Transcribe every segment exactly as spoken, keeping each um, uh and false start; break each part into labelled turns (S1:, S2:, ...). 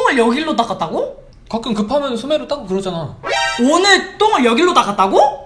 S1: 똥을 여길로 닦았다고?
S2: 가끔 급하면 소매로 닦고 그러잖아.
S1: 오늘 똥을 여길로 닦았다고?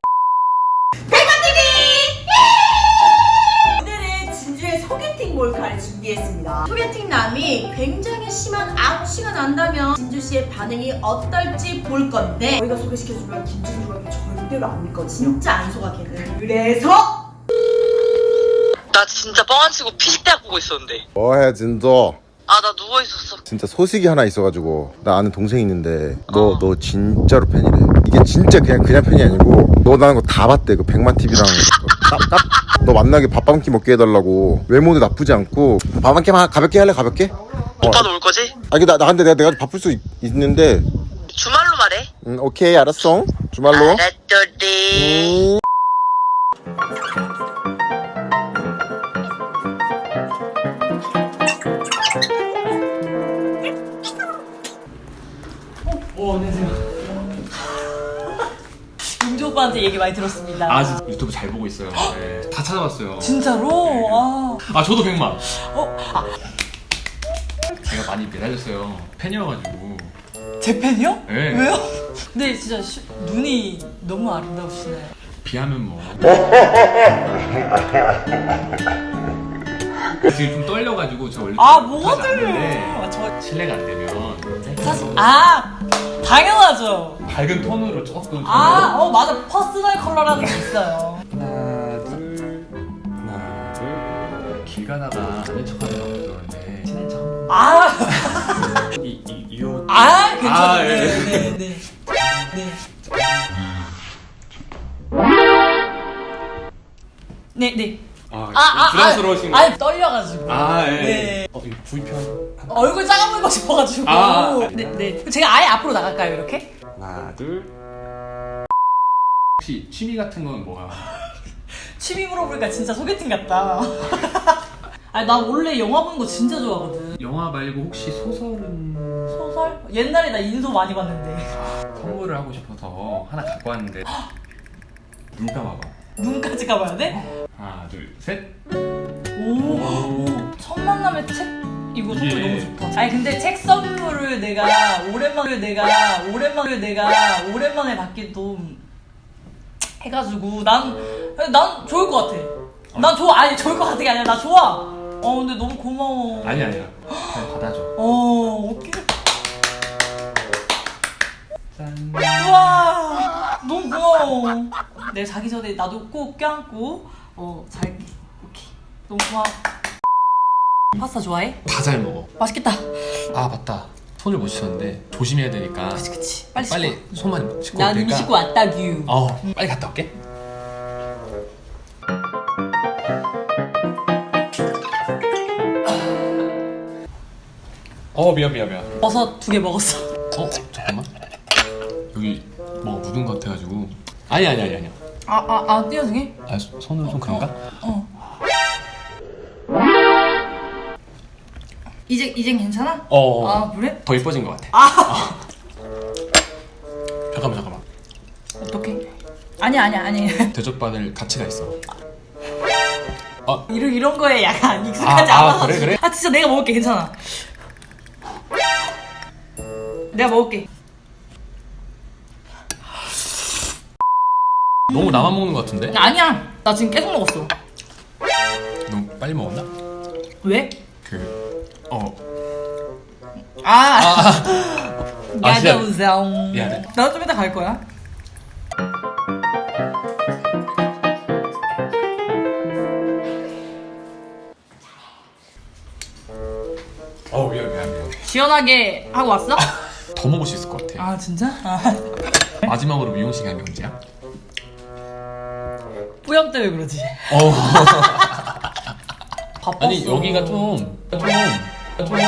S3: 오늘은 진주의 소개팅 몰카를 준비했습니다. 소개팅남이 굉장히 심한 악취가 난다면 진주씨의 반응이 어떨지 볼 건데 저희가 소개시켜주면 김진주가 절대로 안 믿거든요. 진짜 안 속아 걔는. 그래서
S4: 나 진짜 뻥 안 치고 피식대학 보고 있었는데.
S5: 뭐해 진짜.
S4: 아, 나 누워있었어.
S5: 진짜 소식이 하나 있어가지고 나 아는 동생이 있는데 너 너 진짜로 팬이래. 이게 진짜 그냥 그냥 팬이 아니고 너 나는 거 다 봤대. 그 백만티비랑 너 만나게 밥 한 끼 먹게 해달라고. 외모도 나쁘지 않고 밥 한 끼만 가볍게 할래? 가볍게?
S4: 오빠도 올 거지?
S5: 아 이게 나, 나 근데 내가, 내가 바쁠 수 있, 있는데
S4: 주말로 말해.
S5: 음, 오케이 알았어. 주말로.
S4: 알았더니.
S5: 음.
S1: 어, 안녕하세요. 윤주 오빠한테 얘기 많이 들었습니다.
S2: 아 진짜 유튜브 잘 보고 있어요. 네. 다 찾아봤어요.
S1: 진짜로?
S2: 네.
S1: 아.
S2: 아 저도 백만.
S1: 어? 아,
S2: 제가 많이 매달렸어요. 팬이어가지고.
S1: 제 팬이요?
S2: 네.
S1: 왜요? 근데 진짜 시, 눈이 너무 아름다우시네.
S2: 비하면 뭐. 지금 좀 떨려가지고 저 원래
S1: 아,
S2: 좀
S1: 뭐가
S2: 자주 안
S1: 떨려?
S2: 되는데
S1: 아, 저
S2: 실례가 안 되면
S1: 사실 아 당연하죠.
S2: 밝은 톤으로 조금.
S1: 아, 어 맞아. 퍼스널 컬러라는 게 있어요.
S2: 하나 둘 하나 둘. 길 가다가 아는 척하는 거 그러는데 친한 척.
S1: 아,
S2: 이이이옷
S1: 아 괜찮아요.
S2: 아, 예.
S1: 네, 네, 네, 네. 네, 네.
S2: 아,
S1: 아, 아,
S2: 부담스러우신
S1: 아,
S2: 거.
S1: 아니 떨려가지고.
S2: 아, 예.
S1: 네.
S2: 어, 이거 구이편.
S1: 얼굴 작아 보이고 싶어가지고.
S2: 아, 아.
S1: 네, 네. 제가 아예 앞으로 나갈까요, 이렇게?
S2: 하나, 둘. 혹시 취미 같은 건 뭐야?
S1: 취미 물어보니까 진짜 소개팅 같다. 아니, 나 원래 영화 보는 거 진짜 좋아하거든.
S2: 영화 말고 혹시 소설은
S1: 소설? 옛날에 나 인소 많이 봤는데.
S2: 선물을 하고 싶어서 하나 갖고 왔는데 눈 감아봐.
S1: 눈까지 가봐야 돼?
S2: 하나, 둘, 셋.
S1: 오, 첫 만남의 책? 이거 선물
S2: 이게-
S1: 너무 좋다. 아니 근데 책 선물을 내가 오랜만에 내가 오랜만에 내가 오랜만에 받기도 해가지고 난 난 좋을 것 같아. 난 좋아. 아니 좋을 것 같은 게 아니라 나 좋아. 어 근데 너무 고마워.
S2: 아니 아니야. 그냥 받아줘.
S1: 어 오케이.
S2: 짠.
S1: 우와 너무 고마워. 내일 자기 전에 나도 꼭 껴안고 어 잘게. 오케이. 너무 고마워. 파스타 좋아해?
S2: 다 잘 먹어.
S1: 맛있겠다.
S2: 아 맞다. 손을 못 씻었는데 조심해야 되니까.
S1: 그치 그치. 빨리
S2: 빨리
S1: 씻고.
S2: 손만 씻고
S1: 난
S2: 올
S1: 이미
S2: 테니까.
S1: 씻고 왔다규.
S2: 어 빨리 갔다 올게. 어 미안 미안 미안.
S1: 버섯 두 개 먹었어.
S2: 어 잠깐만. 여기 뭐 묻은 것 같아가지고. 아니 아니 아니 아니야.
S1: 아아아 띄어주게?
S2: 아 소- 손으로 좀 그런가?
S1: 어. 이제 이젠 괜찮아?
S2: 어.
S1: 아 그래?
S2: 더 이뻐진 것 같아.
S1: 아
S2: 잠깐만 잠깐만.
S1: 어떡해? 아니 아니 아니.
S2: 대접받을 가치가 있어.
S1: 이런 이런 거에 약간 익숙하지
S2: 아, 아,
S1: 않아서.
S2: 그래, 그래?
S1: 아 진짜 내가 먹을게 괜찮아. 내가 먹을게.
S2: 너무 나만 먹는 것 같은데?
S1: 아니야. 나 지금 계속 먹었어.
S2: 너무 빨리 먹었나?
S1: 왜?
S2: 그 어.
S1: 아.
S2: 아, 진짜.
S1: 야자우성.
S2: 미안해.
S1: 나도 좀 이따 갈 거야.
S2: 어 미안 미안 미안.
S1: 시원하게 하고 왔어?
S2: 더 먹을 수 있을 것 같아.
S1: 아 진짜? 아.
S2: 마지막으로 미용실 간 게 언제야?
S1: 뿌염 때문에 그러지.
S2: 어.
S1: 바빴어.
S2: 아니 여기가 좀 좀 좀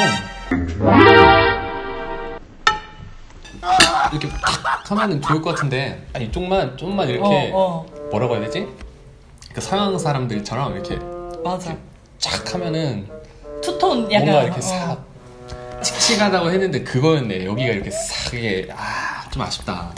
S2: 이렇게 탁 하면은 좋을 것 같은데. 아니 이쪽만 좀만 이렇게
S1: 어, 어.
S2: 뭐라고 해야 되지? 그 서양 사람들처럼 이렇게
S1: 맞아.
S2: 쫙 하면은
S1: 투톤 약간
S2: 뭔가 이렇게
S1: 어.
S2: 싹 칙칙하다고 했는데 그거였네. 여기가 이렇게 싹 이게 아 좀 아쉽다.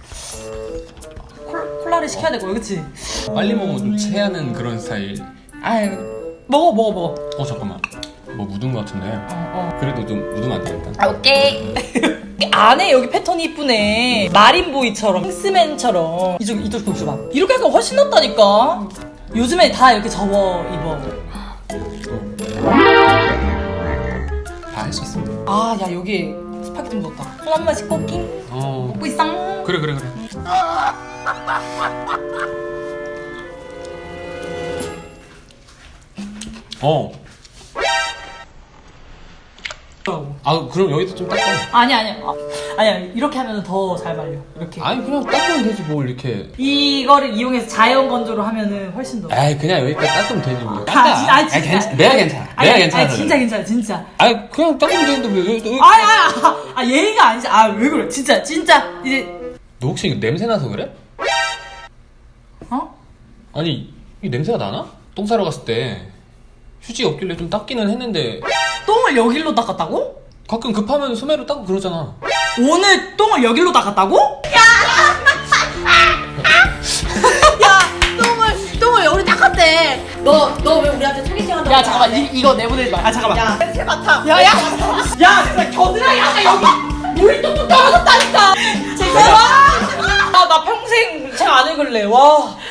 S1: 콜, 콜라를 시켜야 되고 그치?
S2: 빨리 먹으면 좀 체하는 그런 스타일.
S1: 아유 먹어 먹어 먹어.
S2: 어 잠깐만. 뭐 묻은 거 같은데.
S1: 어, 어.
S2: 그래도 좀 묻으면 안 되겠다.
S1: 아, 오케이. 안에 여기 패턴이 이쁘네. 마린보이처럼, 킹스맨처럼. 이쪽, 이쪽 좀 줘봐. 이렇게 하니까 훨씬 낫다니까. 요즘에 다 이렇게 접어 입어.
S2: 다 할 수 있어.
S1: 아, 야, 여기 스파게티 묻었다. 손 한 번씩 꺾잉.
S2: 어.
S1: 먹고 있어.
S2: 그래 그래 그래. 어. 아 그럼 여기도 좀 닦아.
S1: 아니, 아니. 아, 아니야. 이렇게 하면 더 잘 말려. 이렇게.
S2: 아니 그냥 닦으면 되지 뭘 이렇게.
S1: 이거를 이용해서 자연 건조로 하면은 훨씬 더.
S2: 에이 그냥 여기까지 닦으면 되지 뭐.
S1: 아, 진- 아, 진짜.
S2: 괜찮. 내가 괜찮아.
S1: 아니,
S2: 내가
S1: 아니,
S2: 괜찮아.
S1: 아니, 진짜 괜찮아, 진짜.
S2: 아니 그냥 닦으면 되는데 왜? 왜, 왜.
S1: 아니, 아니, 아, 아, 예의가 아니지. 아, 왜 그래? 진짜, 진짜. 이제,
S2: 너 혹시 이거 냄새 나서 그래?
S1: 어?
S2: 아니 이 냄새가 나나? 똥 싸러 갔을 때 휴지 없길래 좀 닦기는 했는데
S1: 똥을 여길로 닦았다고?
S2: 가끔 급하면 소매로 닦고 그러잖아.
S1: 오늘 똥을 여길로 닦았다고?
S3: 야 똥을 똥을 여기 닦았대. 너 너 왜 우리한테 소개팅 한다고?
S1: 야, 잠깐만. 이, 이거 내보내지 마. 아, 잠깐만.
S3: 야 냄새 맡아.
S1: 야, 야! 야, 진짜 겨드랑이 아까 여기 물이 뚝뚝 떨어졌다니까! 제가 아, 나 평생 책 안 읽을래. 와.